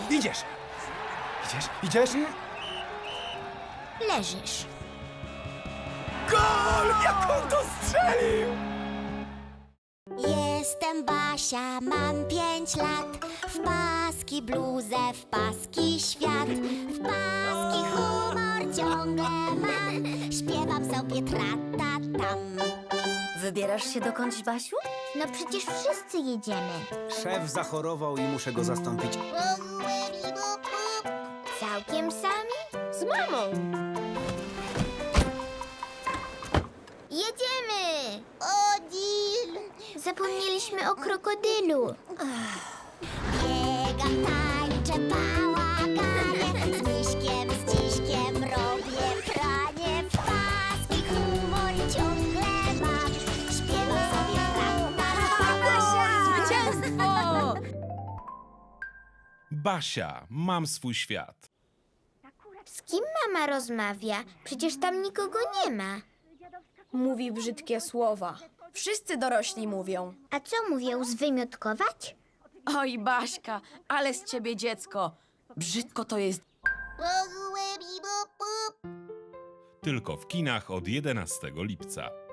Idziesz! Idziesz? Leżysz. Gol! Jak on to strzelił! Jestem Basia, mam 5 lat. W paski bluzę, w paski świat. W paski humor ciągle mam. Śpiewam sobie tra-ta-tam. Wybierasz się dokądś, Basiu? No przecież wszyscy jedziemy. Szef zachorował i muszę go zastąpić. Całkiem sami? Z mamą. Jedziemy! Odil! Zapomnieliśmy o krokodylu. Biegam, tańczę, bałaganie. Z miśkiem, z dziśkiem robię pranie. W paski humor ciągle mam. Śpiewam sobie Zwycięstwo! Basia, mam swój świat. Z kim mama rozmawia? Przecież tam nikogo nie ma. Mówi brzydkie słowa. Wszyscy dorośli mówią. A co mówią, zwymiotkować? Oj, Baśka, ale z ciebie dziecko. Brzydko to jest. Tylko w kinach od 11 lipca.